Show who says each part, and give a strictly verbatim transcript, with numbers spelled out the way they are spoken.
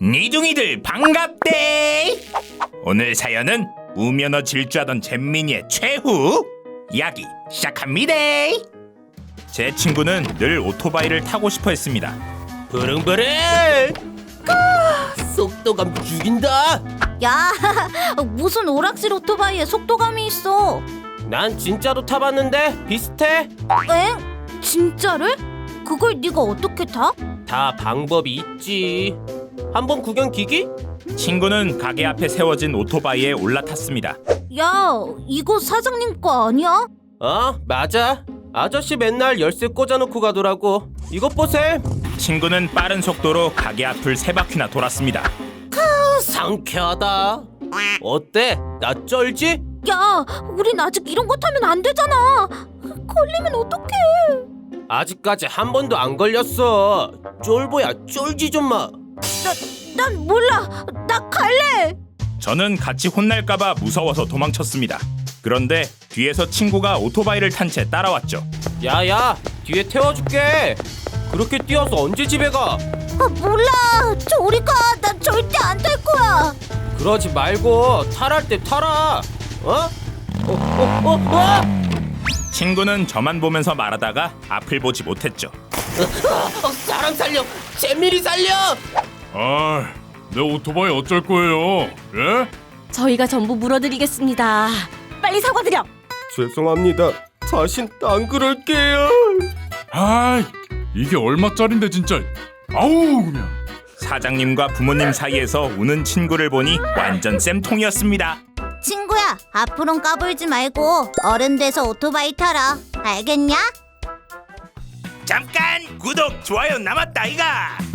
Speaker 1: 니둥이들 반갑대. 오늘 사연은 우면허 질주하던 잼민이의 최후 이야기 시작합니다. 제 친구는 늘 오토바이를 타고 싶어 했습니다.
Speaker 2: 부릉부릉! 아, 속도감 죽인다.
Speaker 3: 야, 무슨 오락실 오토바이에 속도감이 있어?
Speaker 2: 난 진짜로 타봤는데 비슷해.
Speaker 3: 엥? 진짜를? 그걸 네가 어떻게 타?
Speaker 2: 다 방법이 있지. 한번 구경 기기?
Speaker 1: 친구는 가게 앞에 세워진 오토바이에 올라탔습니다.
Speaker 3: 야, 이거 사장님 거 아니야?
Speaker 2: 어, 맞아. 아저씨 맨날 열쇠 꽂아놓고 가더라고. 이것 보셈.
Speaker 1: 친구는 빠른 속도로 가게 앞을 세 바퀴나 돌았습니다.
Speaker 2: 아, 상쾌하다. 어때? 나 쩔지?
Speaker 3: 야, 우린 아직 이런 거 타면 안 되잖아. 걸리면 어떡해?
Speaker 2: 아직까지 한 번도 안 걸렸어. 쫄보야, 쫄지 좀 마.
Speaker 3: 나, 난 몰라. 나 갈래.
Speaker 1: 저는 같이 혼날까봐 무서워서 도망쳤습니다. 그런데 뒤에서 친구가 오토바이를 탄 채 따라왔죠.
Speaker 2: 야야, 뒤에 태워줄게. 그렇게 뛰어서 언제 집에 가?
Speaker 3: 아, 몰라. 저리 가. 난 절대 안 탈 거야.
Speaker 2: 그러지 말고 탈할 때 타라. 어? 어? 어? 어? 어?
Speaker 1: 친구는 저만 보면서 말하다가 앞을 보지 못했죠.
Speaker 2: 어, 사람 살려! 잼밀이 살려!
Speaker 4: 아, 내 오토바이 어쩔 거예요? 예?
Speaker 5: 저희가 전부 물어드리겠습니다. 빨리 사과드려.
Speaker 2: 죄송합니다. 다신 안 그럴게요.
Speaker 4: 아이, 이게 얼마짜린데 진짜. 아우 그냥.
Speaker 1: 사장님과 부모님 사이에서 우는 친구를 보니 완전 쌤통이었습니다.
Speaker 3: 친구야, 앞으론 까불지 말고 어른 돼서 오토바이 타라. 알겠냐?
Speaker 1: 잠깐 구독 좋아요 남았다 이가.